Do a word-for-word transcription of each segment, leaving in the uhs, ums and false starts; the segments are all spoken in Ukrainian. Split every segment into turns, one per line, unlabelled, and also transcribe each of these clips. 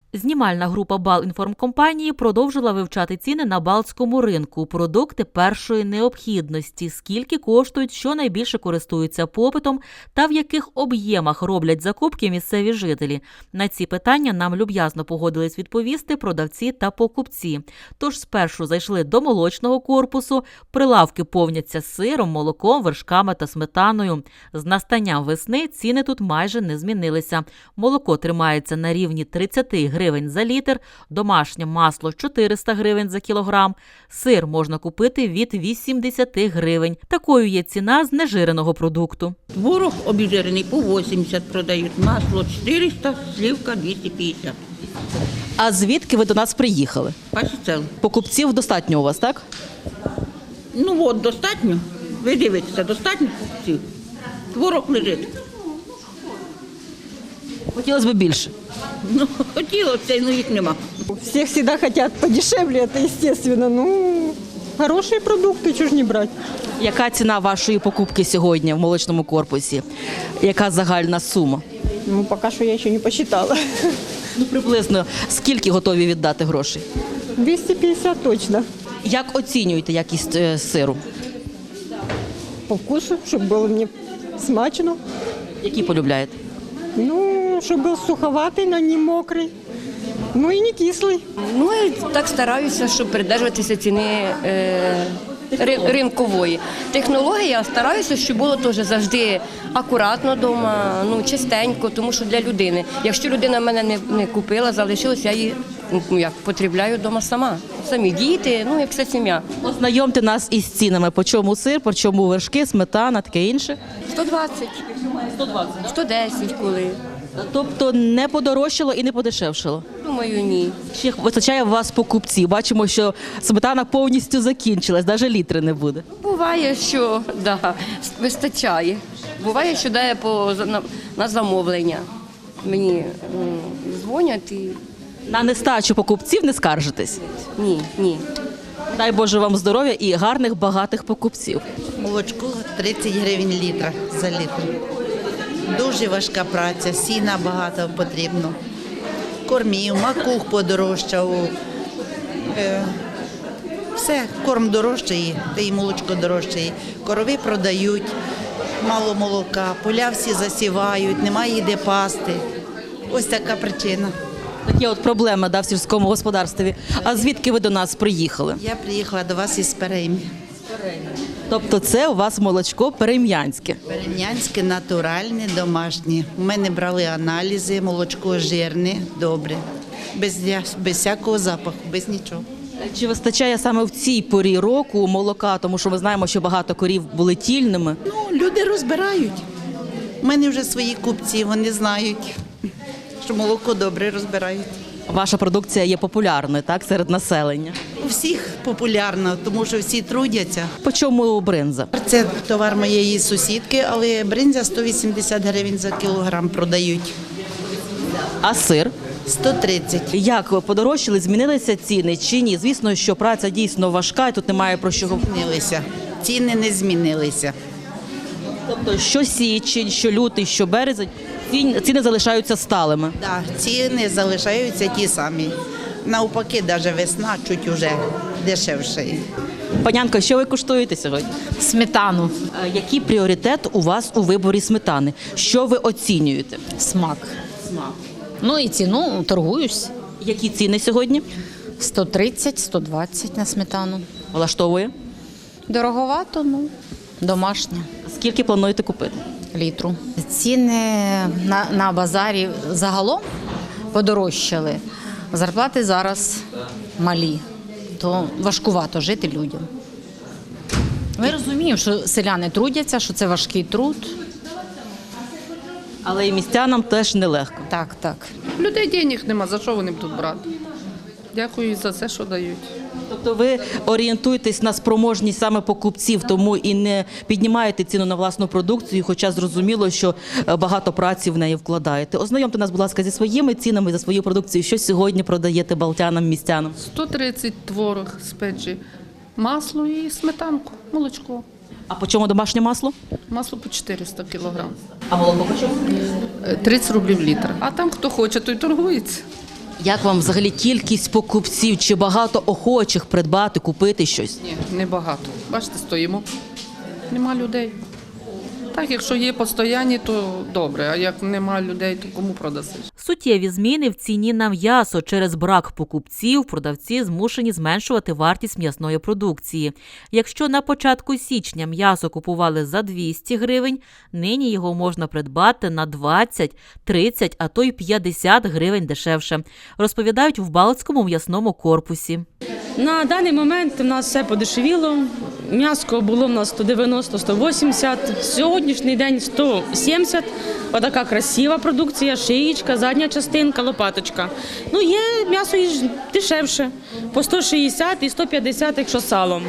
Знімальна група Балінформкомпанії продовжила вивчати ціни на балтському ринку, продукти першої необхідності, скільки коштують, що найбільше користуються попитом та в яких об'ємах роблять закупки місцеві жителі. На ці питання нам люб'язно погодились відповісти продавці та покупці. Тож спершу зайшли до молочного корпусу, прилавки повняться сиром, молоком, вершками та сметаною. З настанням весни ціни тут майже не змінилися. Молоко тримається на рівні тридцять гривень за літр, домашнє масло чотириста гривень за кілограм, сир можна купити від вісімдесят гривень. Такою є ціна знежиреного продукту.
Творог обіжирений по вісімдесят продають, масло чотириста, сливка двісті п'ятдесят.
А звідки ви до нас приїхали?
Пасіцел.
Покупців достатньо у вас, так?
Ну от, достатньо. Ви дивитеся, достатньо покупців. Творог лежить.
Хотілося б більше.
Ну, хотілося, ну їх нема.
Все всегда хотят подешевле, это естественно. Ну, хорошие продукты, чего ж не брать.
Яка ціна вашої покупки сьогодні в молочному корпусі? Яка загальна сума?
Ну, пока что я еще не посчитала.
Ну, приблизно скільки готові віддати грошей?
двести пятьдесят точно.
Як оцінюєте якість е, сиру?
По вкусу, чтобы было мне смачно.
Які полюбляєте?
Ну, чтобы был суховатый, но не мокрый. Ну и не кислый.
Ну, і так стараюся, щоб придержуватися ціни е, ри- ринкової. Технологія стараюся, щоб було теж завжди акуратно вдома, ну, чистенько, тому що для людини. Якщо людина мене не, не купила, залишилась, я її ну, як, потребляю вдома сама. Самі діти, ну, як вся сім'я.
Ознайомте нас із цінами. По чому сир, по чому вершки, сметана, таке інше.
сто двадцять, сто десять коли.
Тобто не подорожчало і не подешевшало.
Думаю, ні.
Чи вистачає у вас покупців? Бачимо, що сметана повністю закінчилась, навіть літри не буде.
Буває, що да, вистачає. Буває, що дає по, на, на замовлення. Мені м, дзвонять і
На нестачу покупців не скаржитесь.
ні, ні.
Дай Боже вам здоров'я і гарних, багатих покупців.
Молочко тридцять гривень літра за літр. Дуже важка праця, сіна багато потрібно. Кормів, макух подорожчав. Е, все, корм дорожчає, та й молочко дорожчає. Корови продають, мало молока, поля всі засівають, немає де пасти. Ось така причина.
Такі от проблеми да, в сільському господарстві. А звідки ви до нас приїхали?
Я приїхала до вас із Переймі.
Тобто це у вас молочко перем'янське.
Перем'янське, натуральне, домашнє. У мене брали аналізи, молочко жирне, добре. Без, без всякого запаху, без нічого.
Чи вистачає саме в цій порі року молока, тому що ми знаємо, що багато корів були тільними?
Ну, люди розбирають. У мене вже свої купці, вони знають, що молоко добре розбирають.
Ваша продукція є популярною, так, серед населення.
У всіх популярно, тому що всі трудяться.
По чому бринза?
Це товар моєї сусідки, але бринза сто вісімдесят гривень за кілограм продають.
А сир?
сто тридцять.
Як подорожчали, змінилися ціни чи ні? Звісно, що праця дійсно важка, і тут немає про що говорити.
Змінилися. Ціни не змінилися.
Тобто, що січень, що лютий, що березень, ці- ціни залишаються сталими.
Да, ціни залишаються ті самі. Навпаки, навіть весна чуть уже дешевша.
Панянко, що ви куштуєте сьогодні?
Сметану.
Е, Який пріоритет у вас у виборі сметани? Що ви оцінюєте?
Смак. Ну і ціну торгуюсь.
Які ціни сьогодні?
сто тридцять - сто двадцять на сметану.
Влаштовує?
Дороговато, ну, домашня,
Скільки плануєте купити?
літру. Ціни на, на базарі загалом подорожчали. Зарплати зараз малі, то важкувато жити людям. Ми розуміємо, що селяни трудяться, що це важкий труд.
Але і містянам теж нелегко.
Так, так.
У людей денег нема, за що вони будуть брати? Дякую за все, що дають.
Тобто ви орієнтуєтесь на спроможність саме покупців, тому і не піднімаєте ціну на власну продукцію, хоча зрозуміло, що е, багато праці в неї вкладаєте. Ознайомте нас, будь ласка, зі своїми цінами за свою продукцію. Що сьогодні продаєте балтянам, містянам?
сто тридцять творог з печі, масло і сметанку, молочко.
А по чому домашнє масло?
Масло по чотириста кілограм.
А молоко по чому?
Е, тридцять рублів літр. А там хто хоче, той торгується.
Як вам взагалі кількість покупців? Чи багато охочих придбати, купити щось?
Ні, небагато. Бачите, стоїмо. Нема людей. Так, якщо є постоянні, то добре, а як нема людей, то кому продасиш?
Суттєві зміни в ціні на м'ясо. Через брак покупців продавці змушені зменшувати вартість м'ясної продукції. Якщо на початку січня м'ясо купували за двісті гривень, нині його можна придбати на двадцять, тридцять, а то й п'ятдесят гривень дешевше, розповідають в Балтському м'ясному корпусі.
На даний момент у нас все подешевіло. М'яско було в нас сто дев'яносто - сто вісімдесят, сьогоднішній день сто сімдесят. Отака красива продукція, шиєчка, задня частинка, лопаточка. Ну, є м'ясо і ж дешевше, по сто шістдесят і сто п'ятдесят, якщо з салом.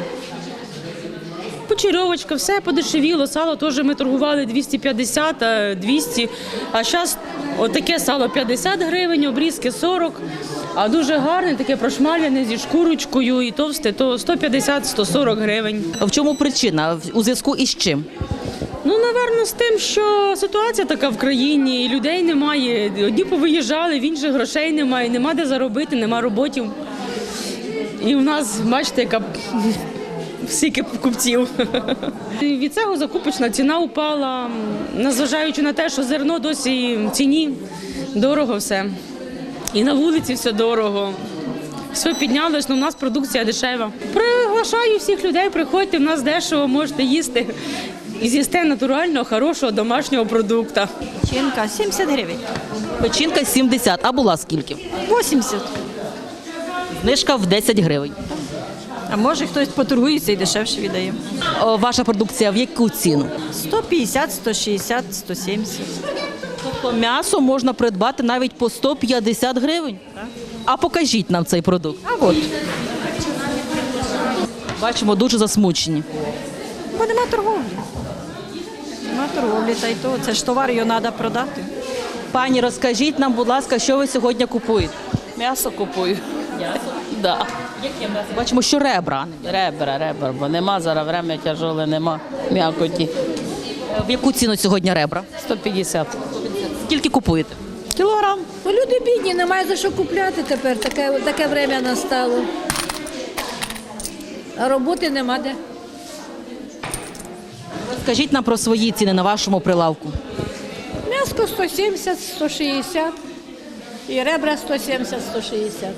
Почерьовочка, все подешевіло, сало теж ми торгували двісті п'ятдесят, двісті, а зараз отаке сало п'ятдесят гривень, обрізки сорок, а дуже гарне, таке прошмаляне зі шкурочкою і товсте, то сто п'ятдесят - сто сорок гривень.
В чому причина? У зв'язку із чим?
Ну, напевно, з тим, що ситуація така в країні, і людей немає, одні повиїжджали, в інших грошей немає, нема де заробити, нема роботів. І в нас, бачите, яка стільки покупців. Від цього закупочна ціна упала, незважаючи на те, що зерно досі в ціні, дорого все. І на вулиці все дорого. Все піднялось, але в нас продукція дешева. Приглашаю всіх людей, приходьте, в нас дешево, можете їсти. І з'їсти натурального, хорошого, домашнього продукту.
Печінка сімдесят гривень.
Печінка сімдесят, а була скільки?
вісімдесят.
Знижка в десять гривень.
А може хтось поторгується і дешевше віддає.
О, ваша продукція в яку ціну?
сто п'ятдесят, сто шістдесят, сто сімдесят.
Тобто м'ясо можна придбати навіть по сто п'ятдесят гривень? А покажіть нам цей продукт.
А от,
Бачимо, дуже засмучені.
бо нема торговлі. Нема торговлі, та й то. Це ж товар, його треба продати.
Пані, розкажіть нам, будь ласка, що ви сьогодні купуєте?
М'ясо купую.
М'ясо?
Да.
Яке м'ясо? Бачимо, що ребра.
Ребра, ребра, бо нема зараз время тяжоле, нема м'якоті.
В яку ціну сьогодні ребра?
сто п'ятдесят.
Скільки купуєте?
Кілограм.
Бо люди бідні, немає за що купляти тепер, таке, таке время настало. А роботи нема де.
Скажіть нам про свої ціни на вашому прилавку.
М'яско сто сімдесят, сто шістдесят і ребра сто сімдесят, сто шістдесят.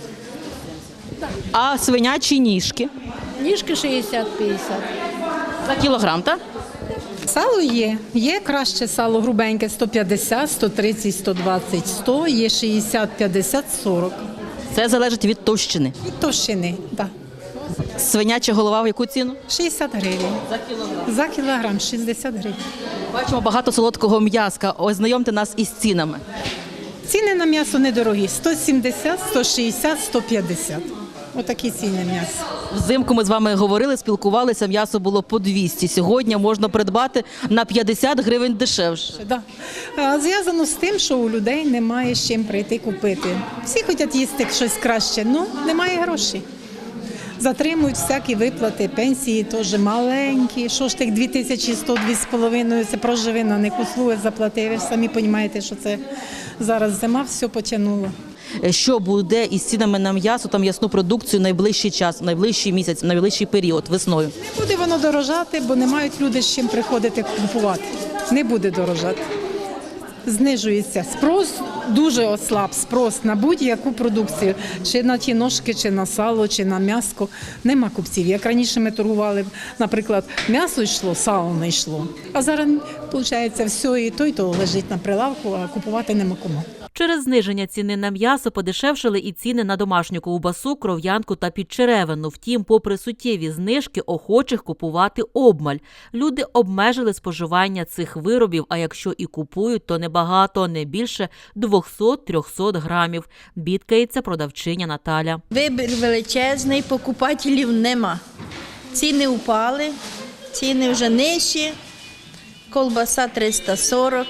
А свинячі ніжки?
Ніжки шістдесят - п'ятдесят.
За кілограм, так?
Сало є. Є краще сало грубеньке сто п'ятдесят, сто тридцять, сто двадцять, сто, є шістдесят, п'ятдесят, сорок.
Це залежить від товщини.
Від товщини, так.
Свиняча голова в яку ціну?
шістдесят гривень. За кілограм? За кілограм шістдесят гривень.
Бачимо багато солодкого м'яска. Ознайомте нас із цінами.
Ціни на м'ясо недорогі. сто сімдесят, сто шістдесят, сто п'ятдесят. Отакі ціни м'яса.
Взимку ми з вами говорили, спілкувалися, м'ясо було по двісті. Сьогодні можна придбати на п'ятдесят гривень дешевше.
Да. А, зв'язано з тим, що у людей немає з чим прийти купити. Всі хочуть їсти щось краще, але немає грошей. Затримують всякі виплати, пенсії теж маленькі. Що ж тих дві тисячі сто, дві з половиною, це проживи на них услуги заплати. Ви ж самі розумієте, що це зараз зима, все потягнуло.
Що буде із цінами на м'ясо та м'ясну продукцію найближчий час, найближчий місяць, найближчий період, весною?
Не буде воно дорожати, бо не мають люди з чим приходити купувати. Не буде дорожати. Знижується спрос, дуже ослаб спрос на будь-яку продукцію, чи на ті ножки, чи на сало, чи на м'ясо. Нема купців. Як раніше ми торгували, наприклад, м'ясо йшло, сало не йшло. А зараз, виходить, все і то, і то лежить на прилавку, а купувати нема кому.
Через зниження ціни на м'ясо подешевшили і ціни на домашню ковбасу, кров'янку та підчеревину. Втім, попри суттєві знижки, охочих купувати обмаль. Люди обмежили споживання цих виробів, а якщо і купують, то небагато, не більше двісті-триста грамів. Бідкається продавчиня Наталя.
Вибір величезний, покупателів нема. Ціни впали, ціни вже нижчі, колбаса триста сорок.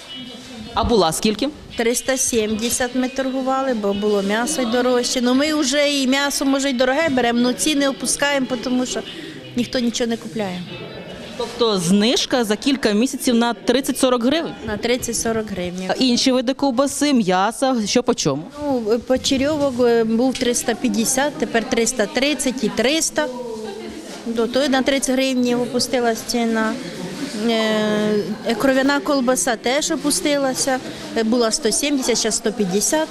А була скільки?
триста сімдесят ми торгували, бо було м'ясо й дорожче. Ну ми вже і м'ясо, може, й дороге беремо, але ціни опускаємо, тому що ніхто нічого не купляє.
Тобто знижка за кілька місяців на тридцять-сорок гривень?
На тридцять-сорок гривень.
А інші види ковбаси, м'яса, що по чому?
Ну, почерьовок е, був триста п'ятдесят, тепер триста тридцять і триста. До того на тридцять гривень опустилась ціна. Е, Кров'яна колбаса теж опустилася, Е, була сто сімдесят, зараз сто п'ятдесят.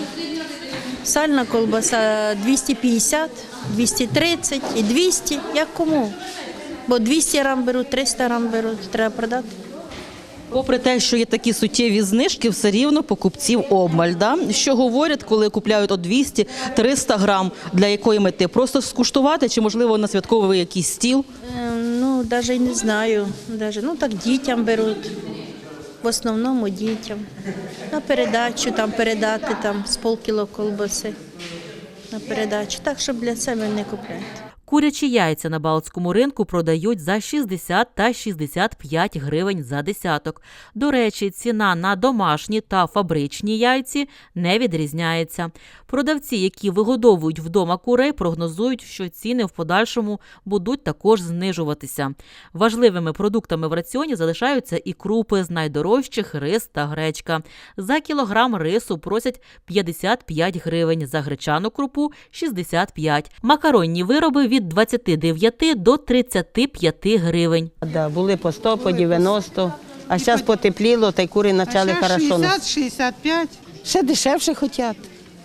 Сальна колбаса двісті п'ятдесят, двісті тридцять і двісті, як кому. Бо двісті грам беруть, триста грам беруть, треба продати.
Попри те, що є такі суттєві знижки, все рівно покупців обмаль. Да? Що говорять, коли купляють от двісті-триста грам, для якої мети? Просто скуштувати чи, можливо, на святковий якийсь стіл?
Е, Ну, навіть не знаю. Даже, ну, так дітям беруть. В основному дітям. На передачу там передати там, з полкіло колбаси. На передачу. Так, щоб для себе не купляти.
Курячі яйця на Балтському ринку продають за шістдесят та шістдесят п'ять гривень за десяток. До речі, ціна на домашні та фабричні яйці не відрізняється. Продавці, які вигодовують вдома курей, прогнозують, що ціни в подальшому будуть також знижуватися. Важливими продуктами в раціоні залишаються і крупи, з найдорожчих – рис та гречка. За кілограм рису просять п'ятдесят п'ять гривень, за гречану крупу – шістдесят п'ять. Макаронні вироби від двадцяти дев'яти до тридцяти п'яти гривень.
Да, були по сто, по дев'яносто, а зараз потепліло, та й кури почали хорошо.
шістдесят - шістдесят п'ять.
Ще дешевше хочуть.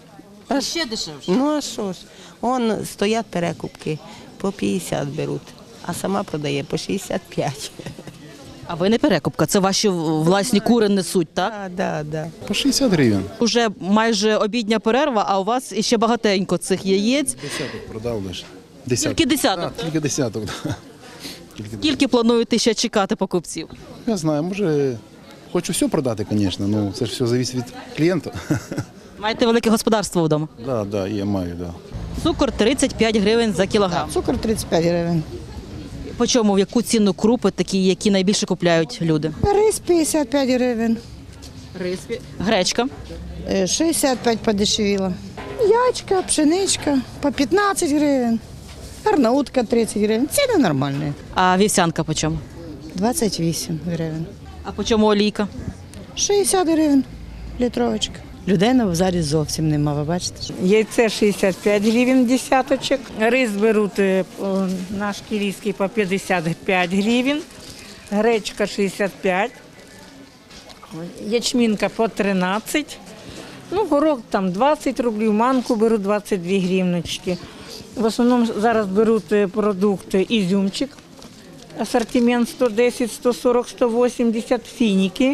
А ще дешевше?
Ну а що ж, вон стоять перекупки, по п'ятдесят беруть, а сама продає по шістдесят п'ять.
А ви не перекупка, це ваші власні кури несуть, так?
Так, да, да.
По шістдесят гривень.
Уже майже обідня перерва, а у вас іще багатенько цих яєць.
Десяток продав лише. Десяток.
Тільки десяток?
Так, тільки десяток, да. Тільки
Скільки плануєте ще чекати покупців?
Я знаю, може, хочу все продати, звісно, ну це ж все залежить від клієнта.
Маєте велике господарство вдома?
Так, да, да, я маю, так. Да.
Цукор тридцять п'ять гривень за кілограм.
Цукор тридцять п'ять гривень.
По чому, в яку ціну крупи такі, які найбільше купляють люди?
Рис п'ятдесят п'ять гривень,
Рис. Гречка.
Е, шістдесят п'ять подешевіло. Ячка, пшеничка по п'ятнадцять гривень, арнаутка тридцять гривень. Ціни нормальні.
А вівсянка по чому?
двадцять вісім гривень.
А по чому олійка?
шістдесят гривень літровочка. Людей на базарі зовсім нема, ви бачите?
Яйце шістдесят п'ять гривень десяточок. Рис беруть е, о, наш кілійський по п'ятдесят п'ять гривень. Гречка шістдесят п'ять. Ячмінка по тринадцять. Ну, горох там двадцять рублів, манку беруть двадцять дві гривночки. В основному зараз беруть е, продукти ізюмчик. Асортимент сто десять, сто сорок, сто вісімдесят, фініки.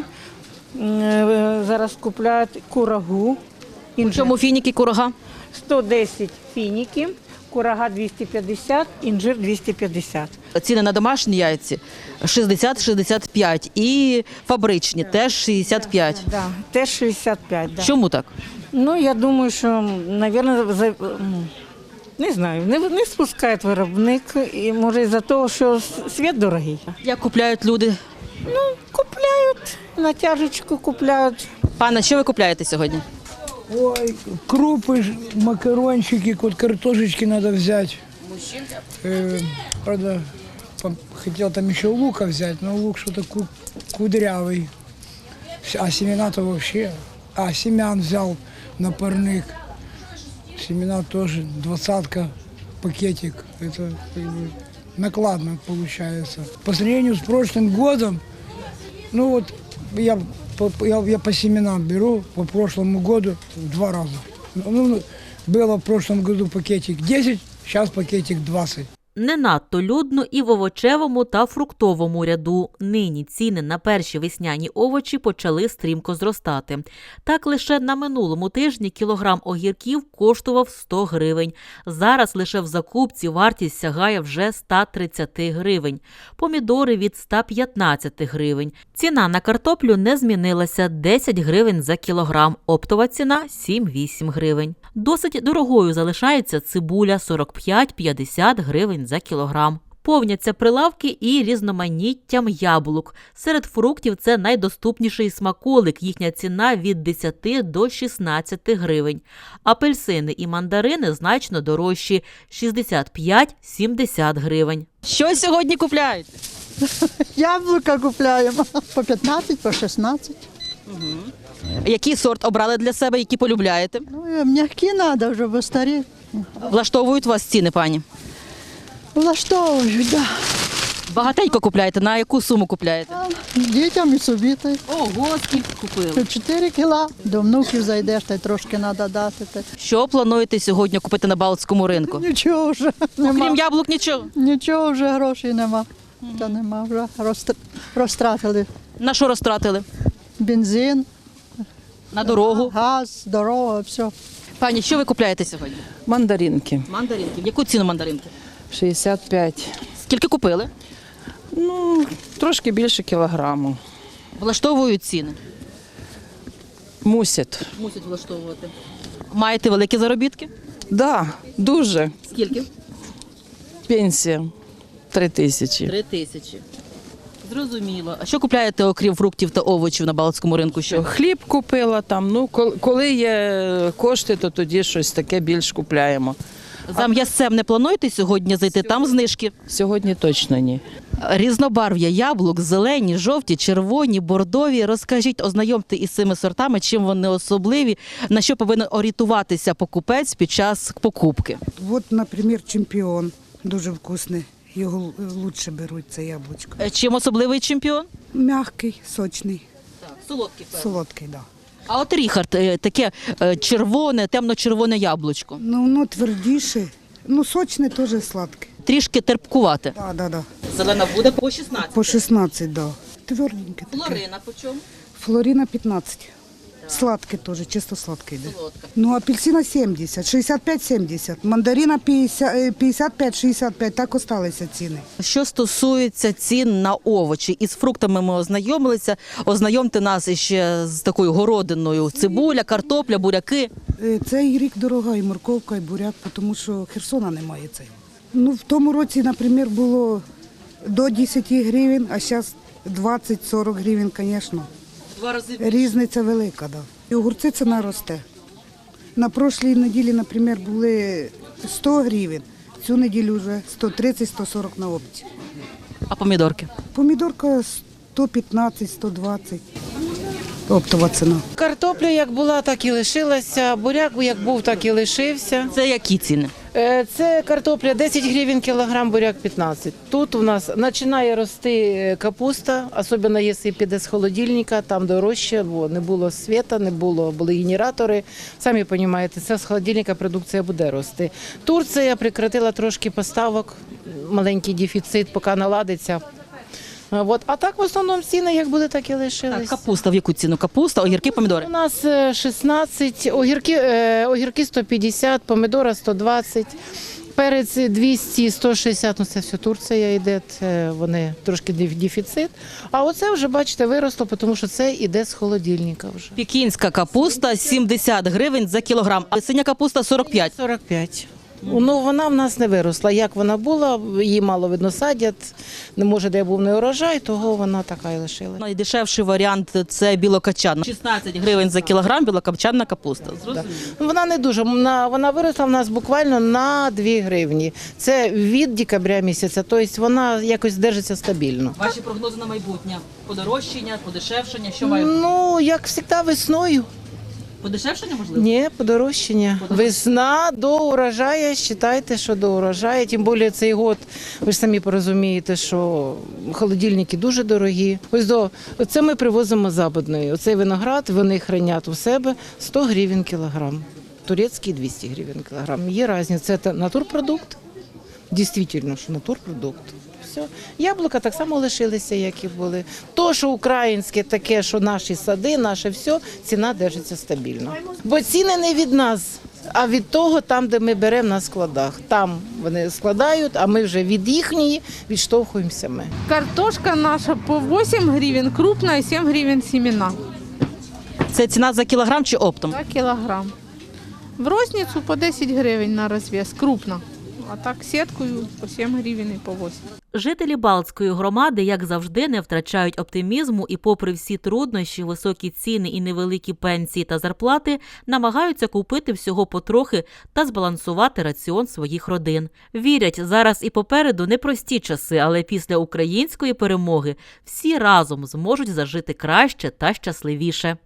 Е, Зараз купляють курагу.
По чому фініки, курага?
сто десять фініки, курага двісті п'ятдесят, інжир двісті п'ятдесят.
Ціни на домашні яйці шістдесят - шістдесят п'ять і фабричні теж шістдесят п'ять.
Да, теж шістдесят п'ять. Да.
Чому так?
Ну, я думаю, що, мабуть, за... не знаю, не, не спускає виробник, і може із-за того, що світ дорогий.
Як купляють люди?
Ну, купляють, натяжечку купляють.
Пане, що ви купляєте сьогодні?
Ой, крупы, ж, макарончики, вот картошечки надо взять. Э, правда, по- хотел там еще лука взять, но лук что-то ку- кудрявый. А семена-то вообще... А, семян взял на парник. Семена тоже двадцатка, пакетик. Это как бы, накладно получается. По сравнению с прошлым годом, ну вот я по, я, я по семенам беру по прошлому году в два раза. Ну, было в прошлом году пакетик десять, сейчас пакетик двадцать.
Не надто людно і в овочевому та фруктовому ряду. Нині ціни на перші весняні овочі почали стрімко зростати. Так, лише на минулому тижні кілограм огірків коштував сто гривень. Зараз лише в закупці вартість сягає вже ста тридцяти гривень. Помідори від ста п'ятнадцяти гривень. Ціна на картоплю не змінилася – десять гривень за кілограм. Оптова ціна – сім-вісім гривень. Досить дорогою залишається цибуля – сорок п'ять - п'ятдесят гривень за кілограм. Повняться прилавки і різноманіттям яблук. Серед фруктів це найдоступніший смаколик. Їхня ціна від десяти до шістнадцяти гривень. Апельсини і мандарини значно дорожчі – шістдесят п'ять - сімдесят гривень.
Що сьогодні купляєте?
Яблука купляємо по п'ятнадцять, по шістнадцять.
Який сорт обрали для себе, які полюбляєте?
Ну, м'які треба вже, бо старі.
Влаштовують вас ціни, пані?
Влаштовують, так. Да.
Багатенько купляєте? На яку суму купляєте?
Дітям і собі. та й.
Ого, скільки купили?
чотири кіла. До внуків зайдеш, та й трошки треба дати. та й.
Що плануєте сьогодні купити на Балтському ринку?
Нічого вже нема.
Крім яблук, нічого?
Нічого вже грошей нема. Та нема вже. Розтр- Розтратили
На що розтратили?
бензин,
На дорогу?
газ, дорога, все.
Пані, що ви купляєте сьогодні?
Мандаринки.
Мандаринки. В яку ціну мандаринки?
шістдесят п'ять.
Скільки купили?
Ну, трошки більше кілограму.
Влаштовують ціни?
Мусять.
Мусять влаштовувати. Маєте великі заробітки?
Да, дуже.
Скільки?
Пенсія три тисячі.
Три тисячі. Зрозуміло. А що купляєте, окрім фруктів та овочів на Балтському ринку? Що?
Хліб купила там. Ну, кол- коли є кошти, то тоді щось таке більш купляємо.
За м'ясцем не плануєте сьогодні зайти? Там знижки?
Сьогодні точно ні.
Різнобарв'я яблук, зелені, жовті, червоні, бордові. Розкажіть, ознайомте із цими сортами, чим вони особливі, на що повинен орієнтуватися покупець під час покупки.
От, наприклад, чемпіон. Дуже вкусний. Його краще беруть, це яблучко.
Е, Чим особливий чемпіон?
Мягкий, сочний,
Так, солодкий.
солодкий, да.
А от Ріхард, е, таке е, червоне, темно-червоне яблучко.
Ну, воно твердіше, ну, сочне теж сладке.
Трішки терпкувате.
Да, да, да.
Зелена буде по шістнадцять.
По шістнадцять, да. Тверденьке таке.
Флорина по чому?
Флорина п'ятнадцять. Сладкий теж, чисто сладкий. Да. Ну, апельсина сімдесят, шістдесят п'ять сімдесят, мандарина п'ятдесят п'ять шістдесят п'ять, так осталися ціни.
Що стосується цін на овочі, із фруктами ми ознайомилися. Ознайомте нас іще з такою городиною. Цибуля, картопля, буряки.
Е, Цей рік дорога і морковка, і буряк, тому що Херсона немає цього. Ну, в тому році, наприклад, було до десять гривень, а зараз двадцять-сорок гривень, звісно.
Два рази.
Різниця велика, да. І огурці ціна росте. На прошлій неділі, наприклад, були сто гривень, цю неділю вже сто тридцять - сто сорок на опті.
А помідорки?
Помідорка сто п'ятнадцять - сто двадцять. Оптова ціна.
Картопля як була, так і лишилася. Буряк як був, так і лишився.
Це які ціни?
Е, Це картопля десять гривень кілограм, буряк п'ятнадцять. Тут у нас починає рости капуста, особливо якщо піде з холодильника, там дорожче, бо не було світа, не було, були генератори. Самі розумієте, це з холодильника продукція буде рости. Турція прекратила трошки поставок, маленький дефіцит, поки наладиться. От. А так в основному ціни як були, так і лишились.
Так, капуста в яку ціну? Капуста, огірки, помідори?
У нас е, шістнадцять, огірки, е, огірки сто п'ятдесят, помідора сто двадцять, перець двісті - сто шістдесят, ну це все Турція йде, це вони трошки деф- дефіцит. А оце вже, бачите, виросло, тому що це йде з холодильника вже.
Пекінська капуста сімдесят гривень за кілограм, а синя капуста сорок п'ять.
сорок п'ять. Ну, вона в нас не виросла. Як вона була, її мало видно садять, не може, де був не урожай, того вона така і лишилась.
Найдешевший варіант – це білокачанна. шістнадцять гривень за кілограм білокачанна капуста.
Да. Вона не дуже, вона, вона виросла в нас буквально на дві гривні. Це від декабря місяця, тобто вона якось держиться стабільно.
Ваші прогнози на майбутнє? Подорожчання, подешевшення, що має?
Ну, як завжди, весною.
Подешевшення, можливо?
Ні, подорожчання. Весна до урожаю, вважайте, що до урожаю. Тим більше цей год, ви ж самі порозумієте, що холодильники дуже дорогі. Ось до, оце ми привозимо з Западної. Оцей виноград, вони хранять у себе сто гривень кілограм. Турецький двісті гривень кілограм. Є різниця. Це натурпродукт. Дійсно, що натурпродукт. Все. Яблука так само лишилися, як і були. То, що українське таке, що наші сади, наше все, ціна держиться стабільно. Бо ціни не від нас, а від того, там, де ми беремо на складах. Там вони складають, а ми вже від їхньої відштовхуємося ми.
Картошка наша по вісім гривень, крупна і сім гривень семена.
Це ціна за кілограм чи оптом?
За кілограм. В розницю по десять гривень на розв'яз, крупна. А так сіткою по сім гривень і по вісім.
Жителі Балтської громади, як завжди, не втрачають оптимізму і попри всі труднощі, високі ціни і невеликі пенсії та зарплати, намагаються купити всього потрохи та збалансувати раціон своїх родин. Вірять, зараз і попереду непрості часи, але після української перемоги всі разом зможуть зажити краще та щасливіше.